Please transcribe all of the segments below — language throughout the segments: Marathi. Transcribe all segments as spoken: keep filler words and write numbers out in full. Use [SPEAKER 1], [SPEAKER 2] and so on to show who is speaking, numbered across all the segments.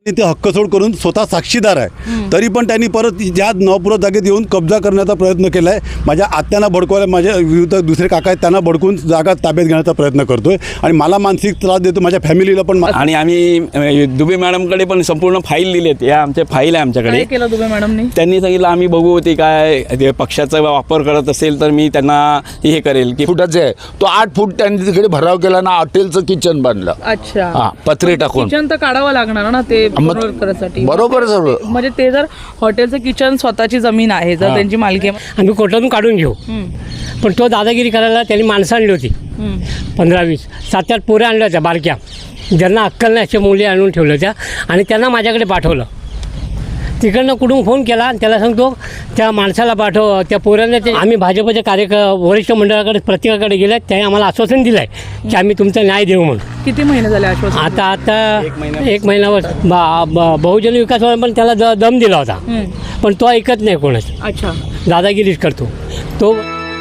[SPEAKER 1] ते हक्कसोड करून स्वतः साक्षीदार आहे, तरी पण त्यांनी परत ज्या नवापुरात जागेत येऊन कब्जा करण्याचा प्रयत्न केला आहे. माझ्या आत्यांना भडकवायला, माझ्या विरुद्ध दुसरे काका आहेत त्यांना भडकून जागा ताब्यात घेण्याचा प्रयत्न करतोय आणि मला मानसिक त्रास देतो, माझ्या फॅमिलीला पण.
[SPEAKER 2] आणि आम्ही दुबे मॅडमकडे पण संपूर्ण फाईल दिली आहेत. या आमच्या फाईल आहे आमच्याकडे.
[SPEAKER 3] काय केलं दुबे मॅडमनी?
[SPEAKER 2] त्यांनी सांगितलं आम्ही बघू ते काय ते पक्षाचा वापर करत असेल तर मी त्यांना हे करेल की
[SPEAKER 4] फुटाचे आहे तो आठ फूट त्यांनी तिकडे भराव केला ना, हॉटेलचं किचन बांधलं.
[SPEAKER 3] अच्छा,
[SPEAKER 4] हा, पत्रे टाकून.
[SPEAKER 3] किचन तर काढावं लागणार ना ते करण्यासाठी.
[SPEAKER 4] बरोबर सर्व.
[SPEAKER 3] म्हणजे ते जर हॉटेलचं किचन स्वतःची जमीन आहे, जर त्यांची मालकी आहे,
[SPEAKER 5] आम्ही कोर्टातून काढून घेऊ. पण तो दादागिरी करायला त्यांनी माणसं आणली होती, पंधरा वीस सात आठ पोऱ्या आणल्या होत्या बारक्या, ज्यांना अक्कल नाही अशा मुली आणून ठेवल्या होत्या आणि त्यांना माझ्याकडे पाठवलं. तिकडनं कुठून फोन केला आणि त्याला सांगतो त्या माणसाला पाठव, त्या पोरांना. ते आम्ही भाजपच्या कार्यक वरिष्ठ मंडळाकडे प्रत्येकाकडे गेले, त्याने आम्हाला आश्वासन दिलं आहे की आम्ही तुमचा न्याय देऊ म्हणून.
[SPEAKER 3] किती महिने झाले आश्वासन?
[SPEAKER 5] आता आता एक महिन्यावर बा- ब- बहुजन विकास पण त्याला द दम दिला होता, पण तो ऐकत नाही कोणाचं.
[SPEAKER 3] अच्छा,
[SPEAKER 5] दादागिरीच करतो तो.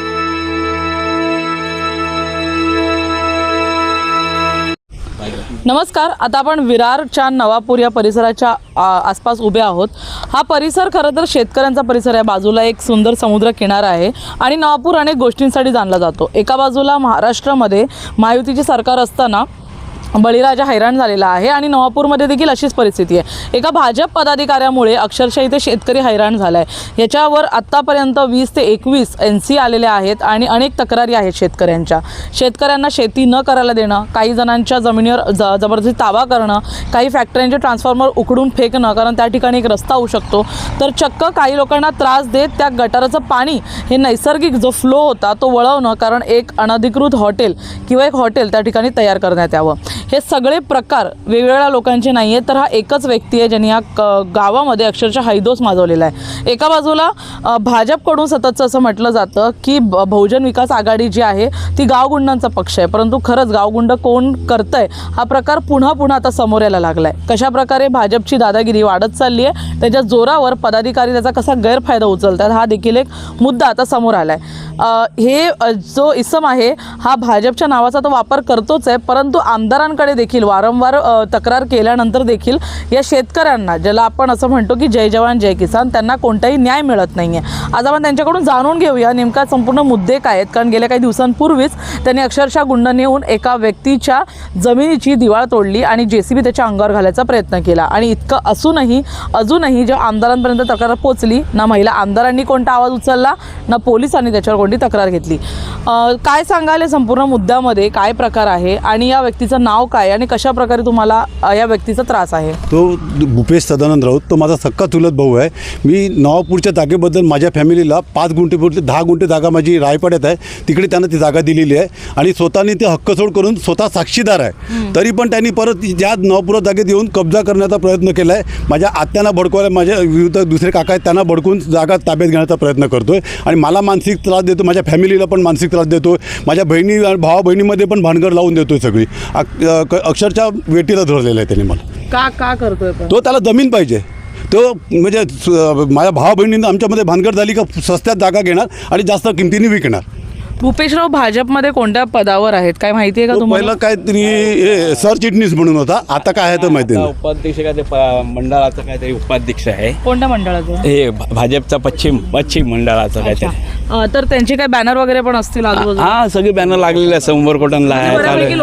[SPEAKER 3] नमस्कार. आता आपण विरारच्या नवापूर या परिसराच्या आ, आसपास उभे आहोत. हा परिसर खरं तर शेतकऱ्यांचा परिसर आहे. बाजूला एक सुंदर समुद्र किनारा आहे आणि नवापूर अनेक गोष्टींसाठी जाणला जातो. एका बाजूला महाराष्ट्रामध्ये महायुतीचे सरकार असताना बळीराजा हैराण झालेला आहे आणि नवापूरमध्ये देखील अशीच परिस्थिती आहे. एका भाजप पदाधिकाऱ्यामुळे अक्षरशः इथे शेतकरी हैराण झाला आहे. याच्यावर आत्तापर्यंत वीस ते एकवीस एन सी आलेले आहेत आणि अनेक तक्रारी आहेत शेतकऱ्यांच्या. शेतकऱ्यांना शेती न करायला देणं, काही जणांच्या जमिनीवर ज जबरदस्ती ताबा करणं, काही फॅक्टरींचे ट्रान्सफॉर्मर उकडून फेकणं कारण त्या ठिकाणी एक रस्ता होऊ शकतो, तर चक्क काही लोकांना त्रास देत त्या गटाराचं पाणी हे नैसर्गिक जो फ्लो होता तो वळवणं, कारण एक अनधिकृत हॉटेल किंवा एक हॉटेल त्या ठिकाणी तयार करण्यात यावं. हे सगळे प्रकार वेगवेगळ्या लोकांचे नाही आहेत, तर हा एकच व्यक्ती आहे ज्यांनी या गावामध्ये अक्षरशः हैदोस माजवलेला आहे. एका बाजूला भाजपकडून सततचं असं म्हटलं जातं की बहुजन विकास आघाडी जी आहे ती गावगुंडांचा पक्ष आहे, परंतु खरंच गावगुंड कोण करतंय हा प्रकार पुन्हा पुन्हा आता समोर यायला लागला आहे. कशाप्रकारे भाजपची दादागिरी वाढत चालली आहे, त्याच्या जोरावर पदाधिकारी त्याचा कसा गैरफायदा उचलतात हा देखील एक मुद्दा आता समोर आला आहे. हे जो इसम आहे हा भाजपच्या नावाचा तो वापर करतोच आहे, परंतु आमदारांकडे देखील वारंवार तक्रार केल्यानंतर देखील या शेतकऱ्यांना, ज्याला आपण असं म्हणतो की जय जवान जय किसान, त्यांना कोणताही न्याय मिळत नाही आहे. आज आपण त्यांच्याकडून जाणून घेऊया नेमका संपूर्ण मुद्दे काय आहेत, कारण गेल्या काही दिवसांपूर्वीच त्यांनी अक्षरशः गुंड नेऊन एका व्यक्तीच्या जमिनीची दिवाळ तोडली आणि जे सी बी त्याच्या अंगावर घालायचा प्रयत्न केला. आणि इतकं असूनही अजूनही जेव्हा आमदारांपर्यंत तक्रार पोचली, ना महिला आमदारांनी कोणता आवाज उचलला, ना पोलिसांनी त्याच्यावर कोणती तक्रार घेतली. काय सांगाल संपूर्ण मुद्द्यामध्ये काय प्रकार आहे आणि या व्यक्तीचं नाव काय आणि कशा प्रकारे तुम्हाला या व्यक्तीचा त्रास आहे?
[SPEAKER 1] तो भूपेश सदानंद राऊत, तो माझा सक्का चुलत भाऊ आहे. मी नवापूरच्या जागेबद्दल माझ्या फॅमिलीला पाच गुंठे पुरते दहा गुंठे जागा माझी रायपाड्यात आहे, तिकडे त्यांना ती जागा दिलेली आहे आणि स्वतःने ते हक्कसोड करून स्वतः साक्षीदार आहे, तरी पण त्यांनी परत ज्या नवापुरात जागेत येऊन कब्जा करण्याचा प्रयत्न केला आहे. माझ्या आत्यांना भडकवायला, माझ्या विरुद्ध दुसरे काका आहेत त्यांना भडकून जागा ताब्यात घेण्याचा प्रयत्न करतोय आणि मला मानसिक त्रास देतो, माझ्या फॅमिलीला पण मानसिक त्रास देतो, माझ्या बहिणी भावा बहिणीमध्ये पण भानगड लावून देतोय सगळी. अक्षरशः वेटीला धरलेलं आहे त्यांनी मला.
[SPEAKER 3] का का करतोय?
[SPEAKER 1] तो त्याला जमीन पाहिजे. तो म्हणजे माझ्या भावा बहिणींना आमच्यामध्ये भानगड झाली का स्वस्तात जागा घेणार आणि जास्त किमतीने विकणार.
[SPEAKER 3] भूपेशराव भाजपमध्ये कोणत्या पदावर आहेत काय माहिती आहे का तुम्हाला?
[SPEAKER 1] पहिला काहीतरी सरचिटणीस म्हणून होता, आता काय आहे तर माहिती नाही.
[SPEAKER 2] उपाध्यक्ष काय ते मंडळाचं काहीतरी उपाध्यक्ष आहे.
[SPEAKER 3] कोणत्या मंडळाचं?
[SPEAKER 2] हे भाजपचा पश्चिम पश्चिम मंडळाचं काहीतरी.
[SPEAKER 3] तर त्यांचे काही बॅनर वगैरे पण असतील आजूबाजूला?
[SPEAKER 2] हा, सगळे बॅनर लागलेले आहेत. समोर कोटनला आहे.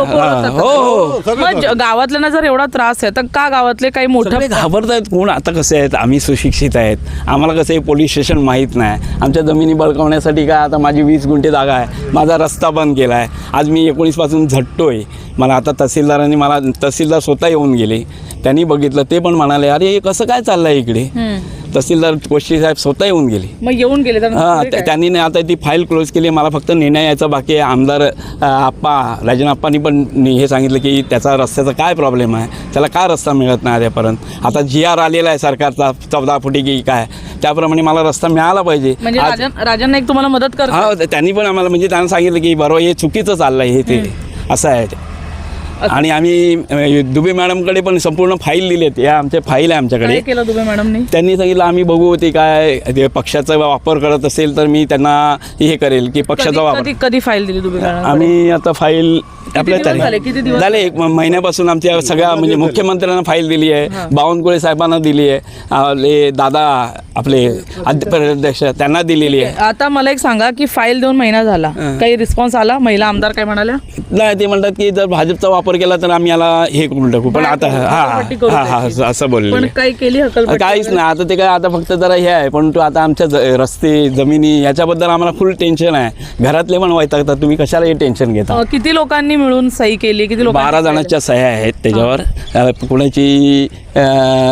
[SPEAKER 3] हो
[SPEAKER 2] हो.
[SPEAKER 3] मग गावातल्यांना जर एवढा त्रास आहे तर का गावातले काही मोठे
[SPEAKER 2] घाबरत आहेत? कोण आता कसे आहेत, आम्ही सुशिक्षित आहेत, आम्हाला कसं आहे पोलीस स्टेशन माहीत नाही. आमच्या जमिनी बळकावण्यासाठी काय आता माझी वीस गुंठे जागा आहे, माझा रस्ता बंद केला आहे. आज मी एकोणीसपासून झटतोय. मला आता तहसीलदारांनी मला तहसीलदार स्वतः येऊन गेले, त्यांनी बघितलं, ते पण म्हणाले अरे हे कसं काय चाललं आहे इकडे. तहसीलदार कोष्टी साहेब स्वतः येऊन गेले.
[SPEAKER 3] मग येऊन गेले
[SPEAKER 2] हां, त्यांनी नाही आता ती फाईल क्लोज केली. मला फक्त निर्णय यायचा बाकी आहे. आमदार आप्पा राजन आप्पांनी पण हे सांगितलं की त्याचा रस्त्याचा काय प्रॉब्लेम आहे, त्याला काय रस्ता मिळत नाही आतापर्यंत. आता जी आर आलेला आहे सरकारचा चौदा फुटी की काय, त्याप्रमाणे मला रस्ता मिळाला पाहिजे.
[SPEAKER 3] म्हणजे राजन राजन नाईक तुम्हाला मदत करतात?
[SPEAKER 2] हा, त्यांनी पण आम्हाला म्हणजे त्यांना सांगितलं की बरोबर हे चुकीचं चाललं आहे, हे ते असं आहे ते. आणि आम्ही दुबे मॅडमकडे पण संपूर्ण फाईल दिली आहेत. या आमच्या फाईल आहे आमच्याकडे.
[SPEAKER 3] काय केलं दुबे मॅडमनी?
[SPEAKER 2] त्यांनी सांगितलं आम्ही बघू ते काय ते पक्षाचा वापर करत असेल तर मी त्यांना हे करेल की पक्षाचा वापर.
[SPEAKER 3] कधी फाईल दिली दुबे मॅडम?
[SPEAKER 2] आम्ही आता फाईल आपल्या
[SPEAKER 3] दिवस झाले? किती
[SPEAKER 2] तारीख
[SPEAKER 3] दिवस
[SPEAKER 2] झाले एक म- महिन्यापासून आमच्या सगळ्या म्हणजे मुख्यमंत्र्यांना फाईल दिली आहे, बावनकुळे साहेबांना दिली आहे, आपले दादा आपले अध्यक्ष त्यांना दिलेली आहे.
[SPEAKER 3] आता मला एक सांगा की फाईल देऊन महिना झाला, काही रिस्पॉन्स आला? महिला आमदार काय म्हणाल्या?
[SPEAKER 2] नाही ते म्हणतात की जर भाजपचा वापर केला तर आम्ही याला हे करून टाकू, पण आता हा
[SPEAKER 3] हकालपट्टी करू
[SPEAKER 2] हा हा
[SPEAKER 3] त्याची.
[SPEAKER 2] असं बोलले.
[SPEAKER 3] पण काही केली हकलपट्टी
[SPEAKER 2] काहीच
[SPEAKER 3] वगैरे?
[SPEAKER 2] नाही आता ते काय आता फक्त जरा हे आहे, पण तो आता आमच्या ज- रस्ते जमिनी याच्याबद्दल आम्हाला फुल टेन्शन आहे. घरातले पण वैतागतात, तुम्ही कशाला हे टेन्शन घेता.
[SPEAKER 3] अ, किती लोकांनी मिळून सही केली? किती लोकांनी
[SPEAKER 2] बारा
[SPEAKER 3] सही केली?
[SPEAKER 2] जणांच्या सह्या आहेत त्याच्यावर. अ, कुणाची अ,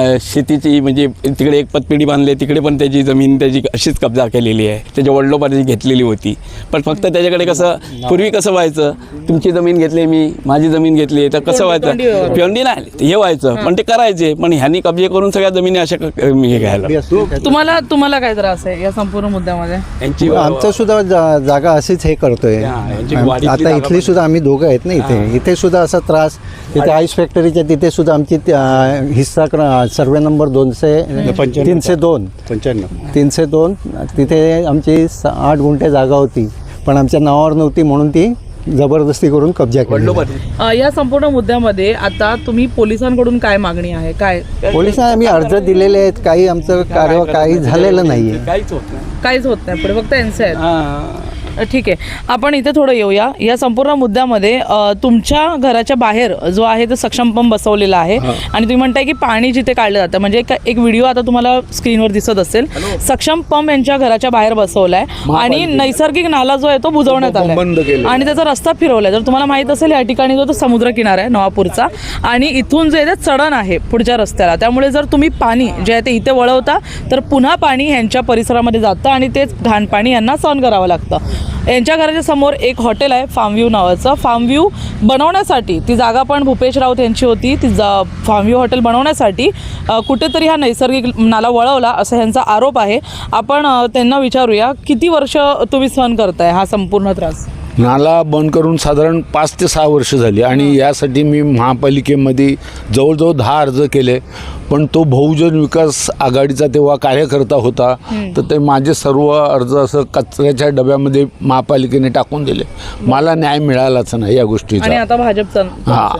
[SPEAKER 2] शेतीची म्हणजे तिकडे एक पतपेढी बांधली, तिकडे पण त्याची जमीन त्याची अशीच कब्जा केलेली आहे, त्याच्या वडिलोपार्जी घेतलेली होती. पण फक्त त्याच्याकडे कसं पूर्वी कसं व्हायचं, तुमची जमीन घेतली मी माझी जमीन घेतली तर कसं व्हायचं,
[SPEAKER 3] तोंडी व्यवहार.
[SPEAKER 2] पिवंडी नाही हे व्हायचं, पण ते करायचे. पण ह्यांनी कब्जे करून सगळ्या जमिनी अशा क- हे घ्यायला
[SPEAKER 3] तुम्हाला तुम्हाला काय त्रास आहे या संपूर्ण मुद्द्यामध्ये?
[SPEAKER 2] यांची
[SPEAKER 6] आमचं सुद्धा जा- जागा अशीच हे करतोय.
[SPEAKER 2] हा, यांची
[SPEAKER 6] आम-
[SPEAKER 2] वाडीतली
[SPEAKER 6] आता
[SPEAKER 2] जागा
[SPEAKER 6] इथली
[SPEAKER 2] पण-
[SPEAKER 6] सुद्धा आम्ही दोघं आहेत ना इथे इथे सुद्धा असा त्रास. तिथे आईस फॅक्टरीच्या तिथे सुद्धा आमची त्या- हिस्सा क्र- सर्वे नंबर दोनशे
[SPEAKER 1] पंच्याण्णव.
[SPEAKER 6] तीनशे दोन
[SPEAKER 1] पंच्याण्णव
[SPEAKER 6] तीनशे दोन तिथे आमची स- आठ गुंठे जागा होती, पण आमच्या नावावर नव्हती म्हणून ती जबरदस्ती करून कब्जा केली.
[SPEAKER 2] वडिलोपार्जी
[SPEAKER 3] अ, या संपूर्ण मुद्द्यामध्ये आता तुम्ही पोलिसांकडून काय मागणी आहे? काय
[SPEAKER 6] पोलिसांना आम्ही अर्ज दिलेले आहेत, काही आमचं कार्य काही झालेलं नाही आहे.
[SPEAKER 2] काहीच होत नाही.
[SPEAKER 3] काहीच होत नाही, पुढे फक्त एनसे आहेत.
[SPEAKER 2] हा.
[SPEAKER 3] अ, ठीक आहे, आपण इथे थोडं येऊया. या संपूर्ण मुद्द्यामध्ये अ, तुमच्या घराच्या बाहेर जो आहे तो सक्षम पंप बसवलेला आहे आणि तुम्ही म्हणताय की पाणी जिथे काढलं जातं, म्हणजे एक एक व्हिडिओ आता तुम्हाला स्क्रीनवर दिसत असेल. सक्षम पंप यांच्या घराच्या बाहेर बसवलाय आणि नैसर्गिक नाला जो आहे तो बुजवण्यात
[SPEAKER 4] बंद
[SPEAKER 3] आलाय
[SPEAKER 4] केलेला.
[SPEAKER 3] आणि त्याचा रस्ता फिरवलाय. जर तुम्हाला माहित असेल या ठिकाणी जो तो समुद्र किनारा आहे नवापूरचा आणि इथून जे आहे ते चढण आहे पुढच्या रस्त्याला, त्यामुळे जर तुम्ही पाणी जे आहे ते इथे वळवता तर पुन्हा पाणी यांच्या परिसरामध्ये जातं आणि तेच घाण पाणी यांना सहन करावं लागतं. यांच्या घराच्या समोर एक हॉटेल आहे फार्म व्ह्यू नावाचं. फार्म व्ह्यू बनवण्यासाठी ती जागा पण भूपेश राऊत यांची होती. ती जा फार्म व्ह्यू हॉटेल बनवण्यासाठी अ, कुठेतरी हा नैसर्गिक नाला वळवला असा ह्यांचा आरोप आहे. आपण अ, त्यांना विचारूया किती वर्ष तुम्ही सहन करताय हा संपूर्ण त्रास?
[SPEAKER 4] नाला बंद करून साधारण पाच ते सहा वर्ष झाली आणि यासाठी मी महापालिकेमध्ये जवळजवळ दहा अर्ज केले, पण तो बहुजन विकास आघाडीचा तेव्हा कार्यकर्ता होता, तर ते माझे सर्व अर्ज असं कचऱ्याच्या डब्यामध्ये महापालिकेने टाकून दिले. मला न्याय मिळालाच नाही या
[SPEAKER 3] आणि
[SPEAKER 4] गोष्टीचा.
[SPEAKER 3] आता भाजपचा
[SPEAKER 4] हा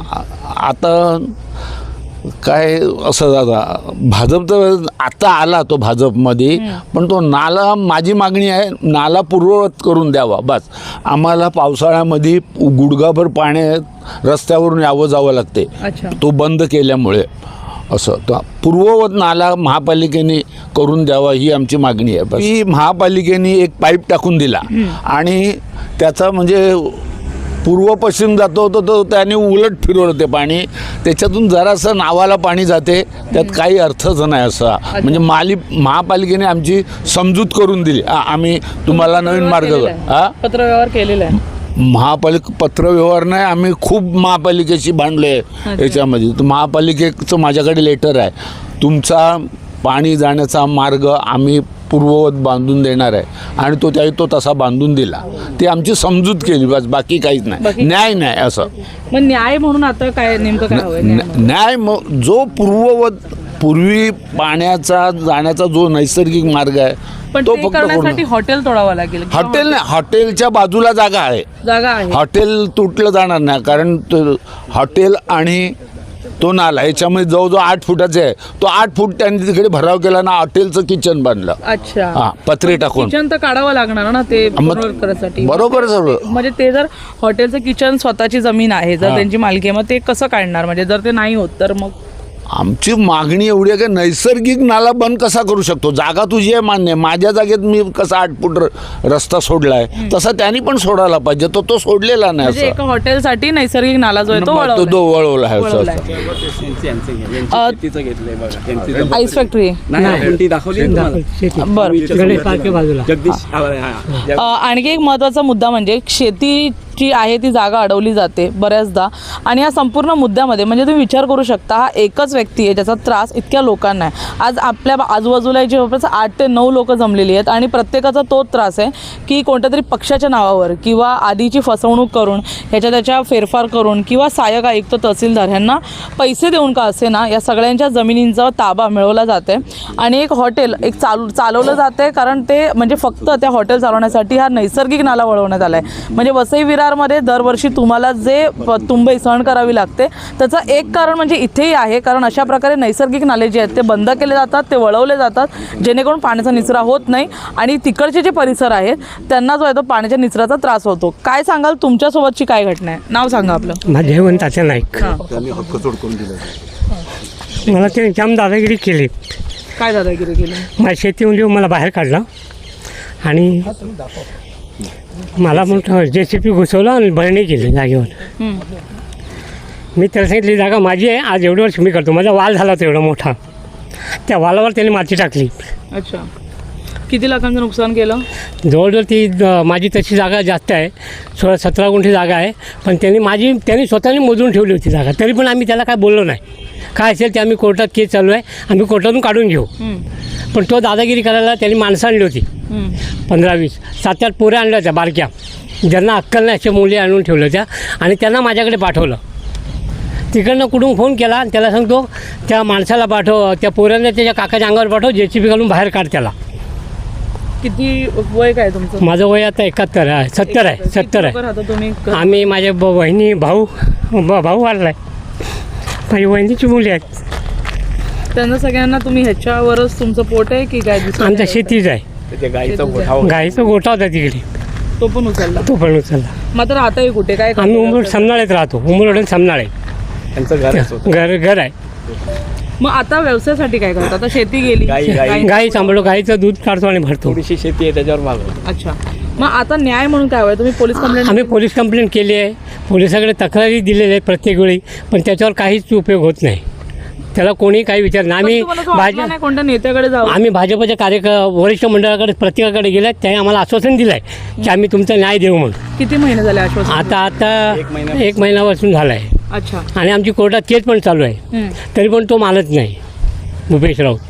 [SPEAKER 4] आता काय असं दादा भाजप तर आता आला तो भाजपमध्ये, पण तो नाला माझी मागणी आहे नाला पूर्ववत करून द्यावा. बस आम्हाला पावसाळ्यामध्ये गुडघाभर पाण्यात रस्त्यावरून यावं जावं लागते
[SPEAKER 3] अच्छा.
[SPEAKER 4] तो बंद केल्यामुळे. असं तो पूर्ववत नाला महापालिकेने करून द्यावा ही आमची मागणी आहे. बस ही महापालिकेने एक पाईप टाकून दिला आणि त्याचा म्हणजे पूर्व पश्चिम जातो तो तो त्याने उलट फिरवलं ते पाणी, त्याच्यातून जरासं नावाला पाणी जाते, त्यात काही अर्थच नाही असा. म्हणजे माली महापालिकेने आमची समजूत करून दिली. आ- आम्ही तुम्हाला नवीन मार्ग हा
[SPEAKER 3] पत्रव्यवहार केलेला आहे.
[SPEAKER 4] महापालिका पत्रव्यवहार नाही, आम्ही खूप महापालिकेशी भांडले याच्यामध्ये. तर महापालिकेचं माझ्याकडे लेटर आहे, तुमचा पाणी जाण्याचा मार्ग आम्ही पूर्ववत बांधून देणार आहे आणि तो त्याही तो तसा बांधून दिला. ती आमची समजूत केली, बस बाकी काहीच नाही.
[SPEAKER 3] बाकी-
[SPEAKER 4] न्याय नाही असं.
[SPEAKER 3] मग न्याय म्हणून आता काय नेमकं काय हवंय? न्याय म्हणून?
[SPEAKER 4] न- न्याय मग जो पूर्ववत पूर्वी पाण्याचा जाण्याचा जो नैसर्गिक मार्ग आहे
[SPEAKER 3] पण
[SPEAKER 4] तो
[SPEAKER 3] ते
[SPEAKER 4] फक्त
[SPEAKER 3] करण्यासाठी
[SPEAKER 4] पूर्ण-
[SPEAKER 3] हॉटेल तोडावं लागेल किंवा
[SPEAKER 4] हॉटेल नाही, हॉटेलच्या बाजूला जागा आहे.
[SPEAKER 3] जागा आहे.
[SPEAKER 4] हॉटेल तुटलं जाणार नाही, कारण तो- हॉटेल आणि तो नाला याच्यामध्ये जवळजवळ आठ फुटाचे आहे. तो आठ फूट त्यांनी तिकडे भराव केला ना, हॉटेलचं किचन बांधलं.
[SPEAKER 3] अच्छा.
[SPEAKER 4] हा पत्रे टाकून.
[SPEAKER 3] किचन तर काढावं लागणार ना ते
[SPEAKER 4] मग-
[SPEAKER 3] पुनर्वापर करायसाठी.
[SPEAKER 4] बरोबर सर्व.
[SPEAKER 3] म्हणजे ते जर हॉटेलचं किचन स्वतःची जमीन आहे, जर
[SPEAKER 4] हा.
[SPEAKER 3] त्यांची मालकी आहे, मग ते कसं काढणार? म्हणजे जर ते नाही होत तर मग
[SPEAKER 4] आमची मागणी एवढी आहे की नैसर्गिक नाला बंद कसा करू शकतो? जागा तुझी आहे मान्य, माझ्या जागेत मी कसा आठ फूट र- रस्ता सोडलाय तसा त्यांनी पण सोडायला पाहिजे. तो तो सोडलेला नाही
[SPEAKER 3] म्हणजे
[SPEAKER 4] असं.
[SPEAKER 3] एका हॉटेलसाठी नैसर्गिक नाला जो आहे तो
[SPEAKER 4] तो
[SPEAKER 3] वळवलाय.
[SPEAKER 4] तो वळवला आहे असं
[SPEAKER 3] वळवलाय.
[SPEAKER 4] असं.
[SPEAKER 3] अ,
[SPEAKER 2] घेतलंय बघा यांची जबर-
[SPEAKER 3] आईस फॅक्टरी.
[SPEAKER 2] नाही, आपण ती दाखवली ना तुम्हाला.
[SPEAKER 5] शेती
[SPEAKER 3] बरं.
[SPEAKER 5] गणेश पार्कच्या बाजूला.
[SPEAKER 2] जगदीश हा, हा.
[SPEAKER 3] अ, आणखी एक महत्त्वाचा मुद्दा म्हणजे शेती जी आहे ती जागा अडवली जाते बऱ्याचदा आणि या संपूर्ण मुद्द्यामध्ये म्हणजे तुम्ही विचार करू शकता हा एकच व्यक्ती आहे ज्याचा त्रास इतक्या लोकांना आहे. आज आपल्या आजूबाजूला जवळपास आठ ते नऊ लोक जमलेली आहेत आणि प्रत्येकाचा तोच त्रास आहे की कोणत्या तरी पक्षाच्या नावावर किंवा आधीची फसवणूक करून ह्याच्या त्याच्या फेरफार करून किंवा सहाय्यक आयुक्त तहसीलदार ह्यांना पैसे देऊन का असे ना या सगळ्यांच्या जमिनींचा ताबा मिळवला जाते आणि एक हॉटेल एक चालू चालवलं जाते कारण ते म्हणजे फक्त त्या हॉटेल चालवण्यासाठी हा नैसर्गिक नाला वळवण्यात आला आहे. म्हणजे वसई विरार आरमध्ये दरवर्षी तुम्हाला जे प- तुंबई सहन करावी लागते त्याचं एक कारण म्हणजे इथेही आहे, कारण अशा प्रकारे नैसर्गिक नाले जे आहेत ते बंद केले जातात, ते वळवले जातात जेणेकरून पाण्याचा निचरा होत नाही आणि तिकडचे जे परिसर आहेत त्यांना जो आहे तो पाण्याच्या निचराचा त्रास होतो. काय सांगाल, तुमच्यासोबतची काय घटना आहे? नाव सांगा आपलं.
[SPEAKER 5] माझे जयवंत तात्या नाईक.
[SPEAKER 1] त्यांनी हक्कचोड करून दिलं.
[SPEAKER 5] मला ते जाम दादागिरी केली.
[SPEAKER 3] काय दादागिरी केली?
[SPEAKER 5] माझ्या शेतीमध्ये मला बाहेर काढला आणि मला मोठं जे सी पी घुसवलं आणि भरणी केली जागेवर.
[SPEAKER 3] हं.
[SPEAKER 5] मी त्याला सांगितली जागा माझी आहे, आज एवढं वर्ष मी करतो. माझा वाल झाला होता एवढा मोठा, त्या वालावर त्यांनी माती टाकली.
[SPEAKER 3] अच्छा, किती लाखांचं नुकसान केलं?
[SPEAKER 5] जवळजवळ ती द- माझी तशी जागा जास्त आहे, सोळा सतरा गुंठी जागा आहे, पण त्यांनी माझी त्यांनी स्वतःने मोजून ठेवली होती जागा. तरी पण आम्ही त्याला काय बोललो नाही. काय असेल ते आम्ही कोर्टात केस चालू आहे, आम्ही कोर्टातून काढून घेऊ.
[SPEAKER 3] हं.
[SPEAKER 5] पण तो दादागिरी करायला त्यांनी माणसं आणली होती,
[SPEAKER 3] हं.
[SPEAKER 5] पंधरा वीस सात आठ पोऱ्या आणल्या होत्या बारक्या, ज्यांना अक्कल नाही अशा मुली आणून ठेवल्या होत्या आणि त्यांना माझ्याकडे पाठवलं. तिकडनं कुठून फोन केला आणि त्याला सांगतो त्या माणसाला पाठव, त्या पोऱ्यांना त्याच्या काकाच्या अंगावर पाठव, जे सी बी घालून बाहेर काढ त्याला.
[SPEAKER 3] किती वय काय तुमचं?
[SPEAKER 5] माझं वय आता एकाहत्तर आहे, सत्तर आहे, सत्तर आहे.
[SPEAKER 3] किती लोकं राहता तुम्ही?
[SPEAKER 5] आम्ही माझ्या ब बहिणी भाऊ ब भाऊ वाढला आहे, माझी बहिणीची मुली आहेत.
[SPEAKER 3] त्यांना सगळ्यांना तुम्ही ह्याच्यावरच तुमचं पोट आहे की काय दुसरं
[SPEAKER 5] आमच्या
[SPEAKER 3] काय?
[SPEAKER 5] शेतीच आहे,
[SPEAKER 2] त्याच्या गाईचा गोठा
[SPEAKER 5] गाईचा गोठा होता तिकडे,
[SPEAKER 3] तो पण उचलला.
[SPEAKER 5] तो पण उचलला.
[SPEAKER 3] मात्र राहताही कुठे? काय
[SPEAKER 5] आम्ही
[SPEAKER 3] करता?
[SPEAKER 5] उमर समनाळ्यात राहतो, उमरवडून समनाळे
[SPEAKER 2] त्यांचं घरच होतं.
[SPEAKER 5] घर घर आहे.
[SPEAKER 3] मग आता व्यवसायासाठी काय करता? आता शेती गेली.
[SPEAKER 2] गाई- गाई-
[SPEAKER 3] गाई-
[SPEAKER 5] गाई सांभाळतो, गाईचं दूध काढतो आणि भरतो.
[SPEAKER 2] थोडीशी शेती आहे त्याच्यावर भागवतो.
[SPEAKER 3] अच्छा, मग आता न्याय म्हणून काय हवंय? तुम्ही पोलीस कंप्लेंट?
[SPEAKER 5] आम्ही पोलीस कंप्लेंट केली आहे, पोलिसाकडे तक्रारी दिलेल्या आहेत प्रत्येक वेळी, पण त्याच्यावर काहीच उपयोग होत नाही. त्याला कोणी काही विचार नाही. आम्ही
[SPEAKER 3] भाजप
[SPEAKER 5] भाजप
[SPEAKER 3] नाही कोणत्या नेत्याकडे जाऊ?
[SPEAKER 5] आम्ही भाजपच्या कार्यक वरिष्ठ मंडळाकडे प्रत्येकाकडे गेले, त्याने आम्हाला आश्वासन दिलं आहे की आम्ही तुमचा न्याय देऊ म्हणून.
[SPEAKER 3] किती महिने झाले आश्वासन?
[SPEAKER 5] आता आता
[SPEAKER 2] एक महिना-
[SPEAKER 5] एक महिन्यापासून झाला आहे
[SPEAKER 3] अच्छा.
[SPEAKER 5] आणि आमची कोर्टात केस पण चालू आहे,
[SPEAKER 3] हं.
[SPEAKER 5] तरी पण तो मानत नाही भूपेश राऊत.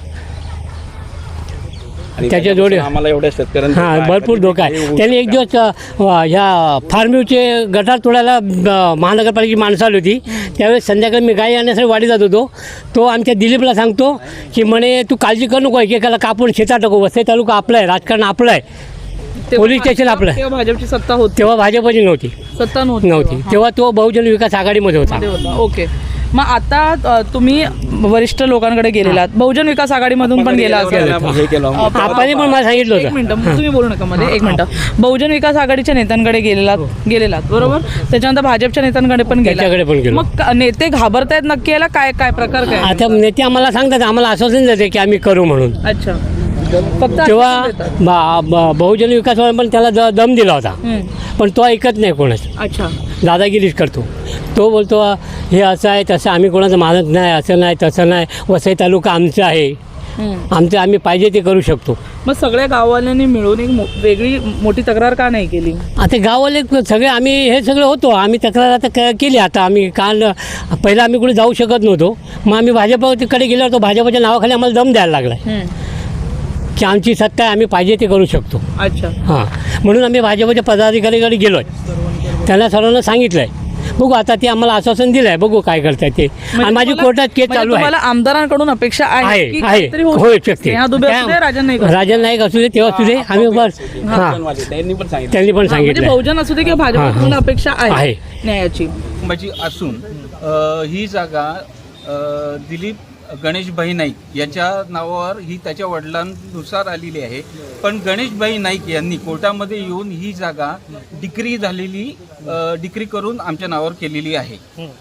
[SPEAKER 2] आणि
[SPEAKER 5] त्याच्या
[SPEAKER 2] त्याच्यापासून
[SPEAKER 5] जोडी-
[SPEAKER 2] आम्हाला एवढ्या शेतकऱ्यांचा
[SPEAKER 5] हां,
[SPEAKER 2] काय-
[SPEAKER 5] भरपूर धोका
[SPEAKER 2] हे
[SPEAKER 5] आहे.
[SPEAKER 2] होऊ
[SPEAKER 5] त्यांनी एक
[SPEAKER 2] शकतं.
[SPEAKER 5] दिवस अ, ह्या फार्मिवचे गटार तोडायला अ, महानगरपालिकेची माणसं आली होती. त्यावेळेस संध्याकाळी मी गाई आणण्यासाठी वाडी जात होतो. तो आमच्या दिलीपला सांगतो की म्हणे तू काळजी करू नको, एकेकाला कापून शेतात टाकू. वसई तालुका आपला आहे, राजकारण आपलं आहे,
[SPEAKER 3] तेव्हा
[SPEAKER 5] पोलीस स्टेशन आपलं.
[SPEAKER 3] तेव्हा भाजपची सत्ता होती?
[SPEAKER 5] तेव्हा भाजपची नव्हती
[SPEAKER 3] सत्ता नव्हती
[SPEAKER 5] नव्हती
[SPEAKER 3] तेव्हा.
[SPEAKER 5] तेव्हा तो बहुजन विकास आघाडीमध्ये होता.
[SPEAKER 3] मध्ये होता. ओके. मग आता अ, तुम्ही वरिष्ठ लोकांकडे गेलेलात, बहुजन विकास आघाडीमधून पण गेला असेल.
[SPEAKER 2] हे केलं
[SPEAKER 3] अ,
[SPEAKER 5] आपण पण मला सांगितलं
[SPEAKER 3] एक
[SPEAKER 5] होतं.
[SPEAKER 3] मिनिटं, तुम्ही बोलू नका मध्ये, एक मिनिटं. बहुजन विकास आघाडीच्या नेत्यांकडे गेलेलात गेलेलात बरोबर, त्याच्यानंतर भाजपच्या नेत्यांकडे पण गेला.
[SPEAKER 5] त्याच्याकडे पण गेलो.
[SPEAKER 3] मग क- नेते घाबरतायत नक्की, याला काय काय प्रकार काय?
[SPEAKER 5] आता नेते आम्हाला सांगतात, आम्हाला आश्वासन देते की आम्ही करू म्हणून.
[SPEAKER 3] अच्छा, फक्त
[SPEAKER 5] तेव्हा
[SPEAKER 3] आश्वासन देतात.
[SPEAKER 5] ब- ब- बहुजन विकास पण त्याला द- दम दिला होता,
[SPEAKER 3] हं.
[SPEAKER 5] पण तो ऐकत नाही कोणाचं,
[SPEAKER 3] अच्छा.
[SPEAKER 5] दादागिरीच करतो. तो बोलतो हे असं आहे तसं, आम्ही कोणाचं मानत नाही, असं नाही तसं नाही, वसई तालुका आमचा आहे,
[SPEAKER 3] हं.
[SPEAKER 5] आमचं आम्ही पाहिजे ते करू शकतो.
[SPEAKER 3] मग सगळ्या गाववाल्यांनी मिळून एक मो- वेगळी मोठी तक्रार का नाही केली?
[SPEAKER 5] आता गाववाले सगळे आम्ही हे सगळं होतो, आम्ही तक्रार आता क- केली. आता आम्ही काल पहिलं आम्ही कुठे जाऊ शकत नव्हतो, मग आम्ही भाजपकडे गेलो होतो. भाजपच्या नावाखाली आम्हाला दम द्यायला लागला
[SPEAKER 3] हं.
[SPEAKER 5] की आमची सत्ता आहे, आम्ही पाहिजे ते करू शकतो.
[SPEAKER 3] अच्छा.
[SPEAKER 5] हां, म्हणून आम्ही भाजपच्या पदाधिकारीकडे गेलो आहे, त्यांना सर्वांना सांगितलं आहे. बघू आता ते आम्हाला आश्वासन दिलं आहे, बघू काय करतात ते. आणि माझी
[SPEAKER 3] तुम्हाला-
[SPEAKER 5] कोर्टात केस
[SPEAKER 3] म्हणजे
[SPEAKER 5] चालू आहे.
[SPEAKER 3] तुम्हाला आमदारांकडून अपेक्षा आहे
[SPEAKER 5] आहे
[SPEAKER 3] की
[SPEAKER 5] आहे
[SPEAKER 3] काहीतरी होऊ
[SPEAKER 5] होऊ
[SPEAKER 3] शकते.
[SPEAKER 5] शकते.
[SPEAKER 3] स्नेहा दुबे असू दे, राजन नाईक असू दे.
[SPEAKER 5] राजन नाईक असू दे, तेव्हा असू दे, आम्ही बस हां
[SPEAKER 2] त्यांनी पण सांगितलं.
[SPEAKER 5] त्यांनी पण
[SPEAKER 3] हा, म्हणजे
[SPEAKER 5] सांगितलं.
[SPEAKER 3] बहुजन असू दे किंवा
[SPEAKER 5] हां,
[SPEAKER 3] भाजप
[SPEAKER 5] हां.
[SPEAKER 3] अपेक्षा आहे
[SPEAKER 5] आहे.
[SPEAKER 3] न्यायाची.
[SPEAKER 7] कुटुंबाची असून अ, ही जागा अ, दिलीप गणेशभाई नाईक याच्या नावावर ही त्याच्या वडिलांनुसार आलेली आहे. पण गणेशभाई नाईक यांनी कोर्टामध्ये येऊन ही जागा डिक्री झालेली अ, डिक्री करून आमच्या नावावर केलेली आहे.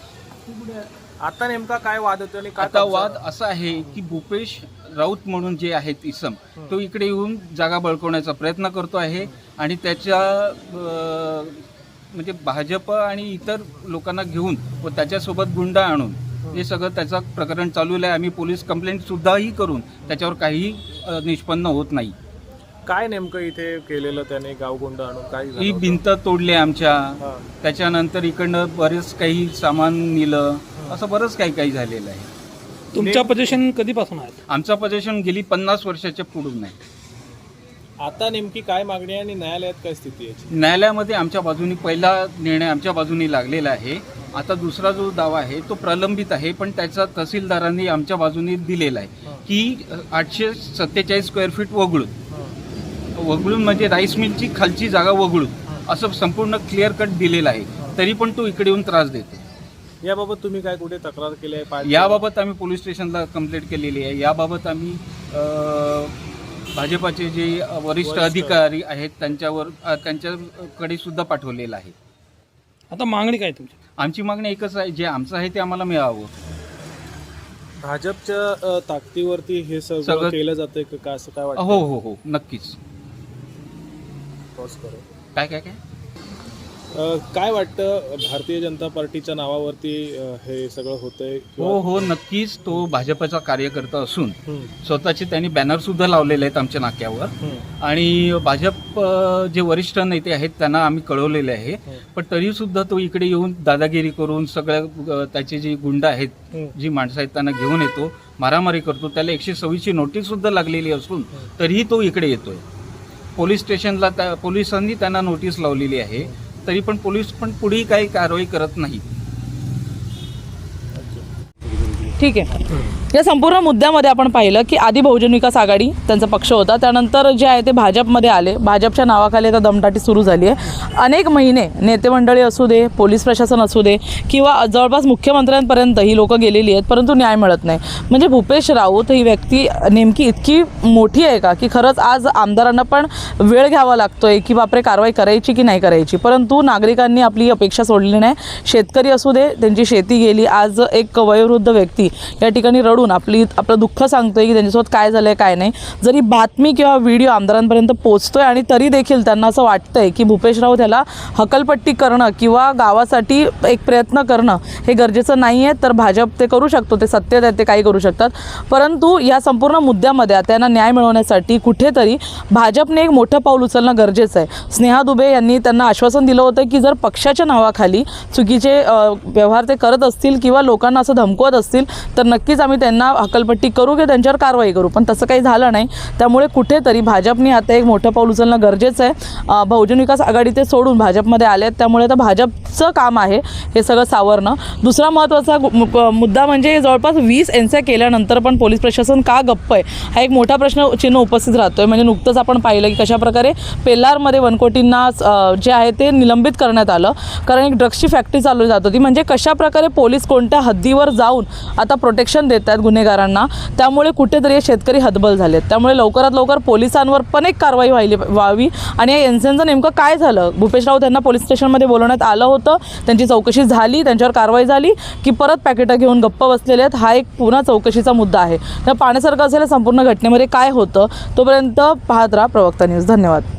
[SPEAKER 8] आता नेमका काय वाद होतो आणि काय
[SPEAKER 7] आता वाद असा आहे की भूपेश राऊत म्हणून जे आहेत इसम, तो इकडे येऊन जागा बळकवण्याचा प्रयत्न करतो आहे आणि त्याच्या अ, म्हणजे भाजप आणि इतर लोकांना घेऊन व त्याच्यासोबत गुंडा आणून हे सगळं त्याचं प्रकरण चालू आहे. आम्ही पोलीस कंप्लेंटसुद्धाही करून त्याच्यावर काही अ, निष्पन्न होत नाही.
[SPEAKER 8] काय नेमकं इथे केलेलं त्याने गावगुंड आणून काय झालं
[SPEAKER 7] ही
[SPEAKER 8] होतं?
[SPEAKER 7] भिंत तोडली आमच्या,
[SPEAKER 8] हां.
[SPEAKER 7] त्याच्यानंतर इकडनं बरेच काही सामान नेलं, असं बरंच काही काही झालेलं आहे.
[SPEAKER 9] तुमच्या पोझिशन कधीपासून आहेत?
[SPEAKER 7] आमचं पोझिशन गेली पन्नास वर्षाच्या पुढून आहे.
[SPEAKER 8] आता नेमकी काय मागणी आहे आणि न्यायालयात काय स्थिती आहे?
[SPEAKER 7] न्यायालयामध्ये आमच्या बाजूनी पहिला निर्णय आमच्या बाजूनी लागलेला आहे. आता दुसरा जो दावा आहे तो प्रलंबित आहे, पण त्याचा तहसीलदारांनी आमच्या बाजूनी दिलेला आहे की आठशे सत्तेचाळीस स्क्वेअर फीट वगळून वगळून म्हणजे राईस मिलची खालची जागा वगळून असं संपूर्ण क्लिअर कट दिलेलं आहे, तरी पण तो इकडे येऊन त्रास देतो.
[SPEAKER 8] याबाबत तुम्ही काय कुठे तक्रार केली आहे? पाठ-
[SPEAKER 7] याबाबत आम्ही पोलीस स्टेशनला कंप्लेंट केलेली आहे. याबाबत आम्ही अ, भाजपाचे जे वरिष्ठ अधिकारी आहेत त्यांच्यावर अ, त्यांच्याकडे सुद्धा पाठवलेलं आहे.
[SPEAKER 9] आता मागणी काय तुमची?
[SPEAKER 7] आमची मागणी एकच आहे, जे आमचं आहे ते आम्हाला मिळावं.
[SPEAKER 8] भाजपच्या अ, ताकदीवरती हे सगळं
[SPEAKER 7] सगळं-
[SPEAKER 8] केलं जातंय का काय, असं काय वाटतं?
[SPEAKER 7] हो हो हो नक्कीच.
[SPEAKER 8] पॉज करू.
[SPEAKER 7] काय काय काय
[SPEAKER 8] अ, काय वाटतं भारतीय जनता पार्टीच्या नावावरती अ, हे सगळं होतंय?
[SPEAKER 7] हो हो नक्कीच. तो भाजपचा कार्यकर्ता असून
[SPEAKER 8] हं,
[SPEAKER 7] स्वतःचे त्यांनी बॅनर सुद्धा लावलेले आहेत आमच्या नाक्यावर.
[SPEAKER 8] हं,
[SPEAKER 7] आणि भाजप अ, जे वरिष्ठ नेते आहेत त्यांना आम्ही कळवलेले आहे, पण तरी सुद्धा तो इकडे येऊन दादागिरी करून सगळ्या अ, त्याचे जे गुंड आहेत,
[SPEAKER 8] हं.
[SPEAKER 7] जी माणसं आहेत त्यांना घेऊन येतो, मारामारी करतो. त्याला एकशे सव्वीसची नोटीस सुद्धा लागलेली असून तरीही तो इकडे येतोय. पोलीस स्टेशनला त्या पोलिसांनी त्यांना नोटीस लावलेली आहे, तरी पण पोलीस पण पुढेही काही कारवाई करत नाही.
[SPEAKER 3] ठीक आहे. या संपूर्ण मुद्द्यामध्ये आपण पाहिलं की आधी बहुजन विकास आघाडी त्यांचा पक्ष होता, त्यानंतर जे आहे ते भाजपमध्ये आले. भाजपच्या नावाखाली आता दमदाटी सुरू झाली आहे. अनेक महिने नेते मंडळी असू दे, पोलीस प्रशासन असू दे, किंवा जवळपास मुख्यमंत्र्यांपर्यंत ही लोकं गेलेली आहेत, परंतु न्याय मिळत नाही. म्हणजे भूपेश राऊत ही व्यक्ती नेमकी इतकी मोठी आहे का की खरंच आज आमदारांना पण वेळ घ्यावा लागतोय की बापरे कारवाई करायची की नाही करायची. परंतु नागरिकांनी आपली अपेक्षा सोडली नाही. शेतकरी असू दे, त्यांची शेती गेली. आज एक वयोवृद्ध व्यक्ती या ठिकाणी रडून आपली आपलं दुःख सांगतोय की त्यांच्यासोबत काय झालंय काय नाही. जरी बातमी किंवा व्हिडिओ आमदारांपर्यंत पोहोचतोय आणि तरी देखील त्यांना असं वाटतंय की भूपेश राऊत याला हकलपट्टी करणं किंवा गावासाठी एक प्रयत्न करणं हे गरजेचं नाही आहे. तर भाजप ते करू शकतो, ते सत्तेत आहे, ते काही करू शकतात. परंतु या संपूर्ण मुद्द्यामध्ये त्यांना न्याय मिळवण्यासाठी कुठेतरी भाजपने एक मोठं पाऊल उचलणं गरजेचं आहे. स्नेहा दुबे यांनी त्यांना आश्वासन दिलं होतं की जर पक्षाच्या नावाखाली चुकीचे अ, व्यवहार ते करत असतील किंवा लोकांना असं धमकवत असतील तर नक्कीच आम्ही त्यांना हकलपट्टी करू किंवा त्यांच्यावर कारवाई करू. पण तसं काही झालं नाही. त्यामुळे कुठेतरी भाजपने आता एक मोठं पाऊल उचलणं गरजेचं आहे. अ, बहुजन विकास आघाडी ते सोडून भाजपमध्ये आले आहेत, त्यामुळे आता भाजपचं काम आहे हे सगळं सावरणं. दुसरा महत्त्वाचा गु- मु- मुद्दा म्हणजे जवळपास वीस एनस्या केल्यानंतर पण पोलीस प्रशासन का गप्प आहे हा एक मोठा प्रश्न चिन्ह उपस्थित राहतोय. म्हणजे नुकतंच आपण पाहिलं की कशाप्रकारे पेल्लारमध्ये वनकोटींना अ, जे आहे ते निलंबित करण्यात आलं, कारण एक ड्रग्सची फॅक्टरी चालू जात होती. म्हणजे कशाप्रकारे पोलीस कोणत्या हद्दीवर जाऊन आता प्रोटेक्शन देत आहेत गुन्हेगारांना. त्यामुळे कुठेतरी हे शेतकरी हतबल झालेत. त्यामुळे लवकरात लवकर पोलिसांवर पण एक कारवाई व्हायली व्हावी. आणि या एनसेनचं नेमकं काय झालं, भूपेश राऊत यांना पोलीस स्टेशनमध्ये बोलवण्यात आलं होतं, त्यांची चौकशी झाली, त्यांच्यावर कारवाई झाली की परत पॅकेटं घेऊन गप्प बसलेले आहेत, हा एक पुन्हा चौकशीचा मुद्दा आहे. तर पाण्यासारखं असलेल्या संपूर्ण घटनेमध्ये काय होतं तोपर्यंत पाहत राहा प्रवक्ता न्यूज. धन्यवाद.